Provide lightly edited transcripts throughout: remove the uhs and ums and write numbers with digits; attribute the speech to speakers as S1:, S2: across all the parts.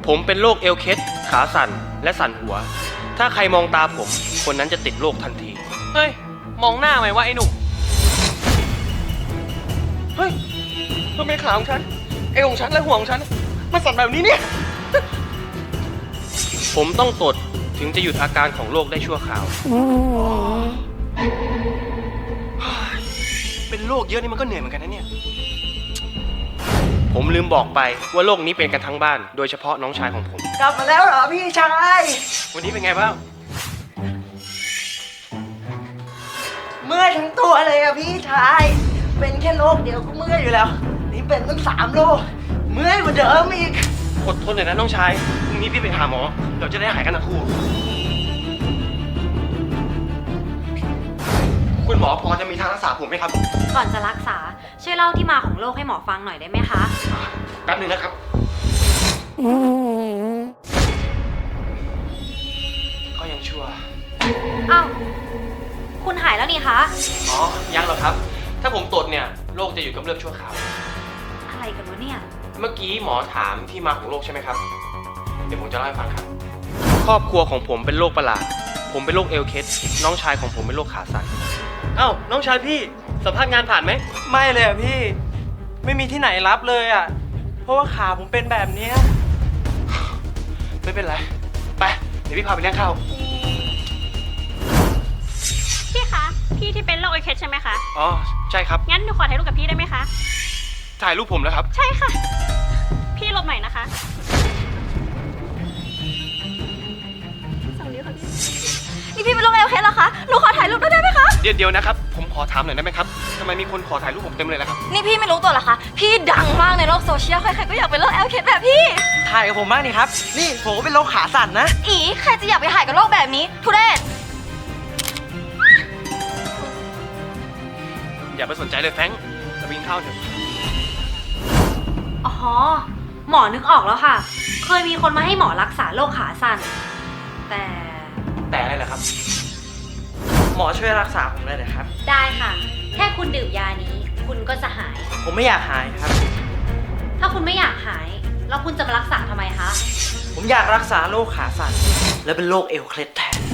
S1: ผมเป็นโรคเอวเคล็ดขาสั่นและสั่นหัว ถ้าใครมองตาผมคนนั้นจะติดโรคทันที
S2: เฮ้ยมองหน้าไหมวะไอ้หนุ่มเฮ้ยทำไมขาของฉันเอวของฉันและหัวของฉันมันสั่นแบบนี้เนี่ย
S1: ผมต้องตดถึงจะหยุดอาการของโรคได้ชั่วคราว
S2: เป็นโรคเยอะนี่มันก็เหนื่อยเหมือนกันนะเนี่ย
S1: ผมลืมบอกไปว่าโรคนี้เป็นกันทั้งบ้านโดยเฉพาะน้องชายของผม
S3: กลับมาแล้วเหรอพี่ชาย
S1: วันนี้เป็นไงบ้าง
S3: เมื่อยทั้งตัวเลยอะพี่ชาย เป็นแค่โรคเดียวก็เมื่อยอยู่แล้ว นี่เป็นตั้ง3 โรคเมื่อยกว่าเดิมอีก
S1: อดทนหน่อยนะน้องชายพรุ่งนี้พี่ไปหาหมอเราจะได้หายกันทั้งคู่คุณหมอพอจะมีทางรักษาผมไหมครับ
S4: ก่อนจะรักษาช่วยเล่าที่มาของโรคให้หมอฟังหน่อยได้ไหมคะ
S1: แป๊บนึงนะครับก็ยังชั่ว
S4: อ้าว คุณหายแล้วนี่คะ
S1: อ๋อยังหรอกครับ ถ้าผมตดเนี่ยโรคจะอยู่กับเลือกชั่วคราว
S4: อะไรกันวะเนี่ย
S1: เมื่อกี้หมอถามที่มาของโรคใช่ไหมครับเดี๋ยวผมจะเล่าให้ฟังครับครอบครัวของผมเป็นโรคประหลาดผมเป็นโรคเอลเคสน้องชายของผมเป็นโรคขาสั่นเอ้าน้องชายพี่สัมภาษณ์งานผ่านไหม
S2: ไม่เลยอะพี่ไม่มีที่ไหนรับเลยอะเพราะว่าขาผมเป็นแบบเนี้ย
S1: ไม่เป็นไรไปเดี๋ยวพี่พาไปเลี้ยงข้าว
S5: พี่คะ พี่ที่เป็นโรคไอเคสใช่ไหมคะ
S1: อ๋อใช่ครับ
S5: งั้นหนูขอถ่ายรูปกับพี่ได้ไหมคะ
S1: ถ่ายรูปผมแล้วครับ
S5: ใช่ค่ะ พี่หลบหน่อยนะคะส่งนิ้วค่ะพี่
S4: นี่พี่เป็นโรคเอลเคสเหรอคะ หนูขอถ่ายรูปด้วยได้ไหมคะ
S1: เดี๋ยวนะครับ ผมขอถามหน่อยได้ไหมครับทำไมมีคนขอถ่ายรูปผมเต็มเลยล่ะครับ
S4: นี่พี่ไม่รู้ตัวเหรอคะ พี่ดังมากในโลกโซเชียล ใครๆก็อยากเป็นโรคเอลเคสแบบพี่
S2: ถ่ายกับผมบ้างนี่ครับนี่ผมก็เป็นโรคขาสั่นนะ
S4: อีใครจะอยากไปถ่ายกับโรคแบบนี้ ทุเรศ
S1: อย่าไปสนใจเลยแฟรงค์เราไปกินข้าวเถอะ
S4: อ๋อ หมอนึกออกแล้วค่ะ เคยมีคนมาให้หมอรักษาโรคขาสั่น แต่
S1: แต่อะไรล่ะครับ
S2: หมอช่วยรักษาผมได้เลยครับ
S4: ได้ค่ะ แค่คุณดื่มยานี้ คุณก็จะหาย
S2: ผมไม่อยากหายครับ
S4: ถ้าคุณไม่อยากหาย แล้วคุณจะมารักษาทำไมคะ
S2: ผมอยากรักษาโรคขาสั่นและเป็นโรคเอวเคล็ดแทน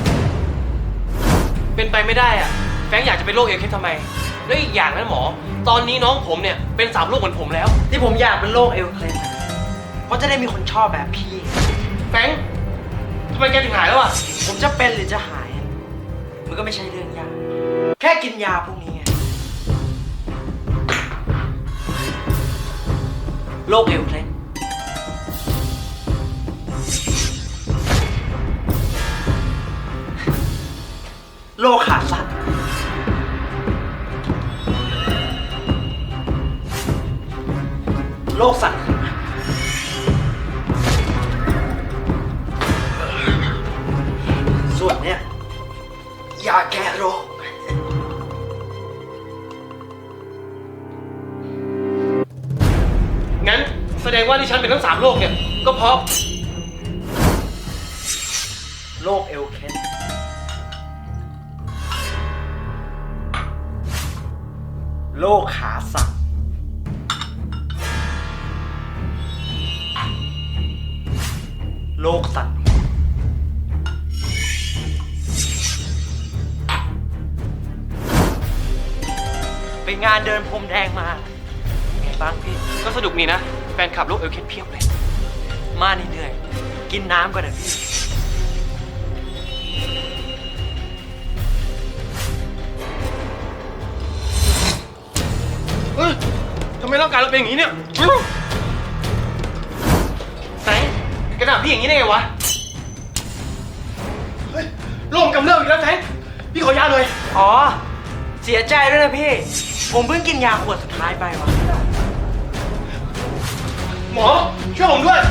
S1: เป็นไปไม่ได้อะแฟรงค์อยากจะเป็นโรคเอลเคสทำไมแล้วอีกอย่างนะหมอ ตอนนี้น้องผมเนี่ยเป็น3 โรคเหมือนผมแล้ว
S2: ที่ผมอยากเป็นโรคเอวเคล็ดนะเพราะจะได้มีคนชอบแบบพี่
S1: แฟรงค์ทำไมแกถึงหายแล้วอ่ะ
S2: ผมจะเป็นหรือจะหายอะมันก็ไม่ใช่เรื่องยาก แค่กินยาพวกนี้ไงโรคเอวเคล็ดโรคขาสั่นโรคสั่นส่วนเนี้ยยาแก้โรค
S1: งั้นแสดงว่าที่ฉันเป็นทั้ง3 โรคเนี่ยก็เพราะ
S2: โรคเอลเคสโรคขาสั่นโรคสั่นหัวไปงานเดินพรมแดงมาไงบ้างพี่
S1: ก็สนุกนี่นะแฟนคลับโรคเอลเคสเพียบเลย
S2: มานี่เหนื่อยกินน้ำก่อนนะพี่
S1: เฮ้ยทำไมร่างกายเราเป็นอย่างนี้เนี่ยแฟรงค์แกด่าพี่อย่างนี้ได้ไงวะเฮ้ยโรคกำเริบอีกแล้วแฟรงค์พี่ขอยาหน่อย
S2: อ๋อ เสียใจด้วยนะพี่ ผมเพิ่งกินยาขวดสุดท้ายไปว่ะ
S1: หมอช่วยผมด้วย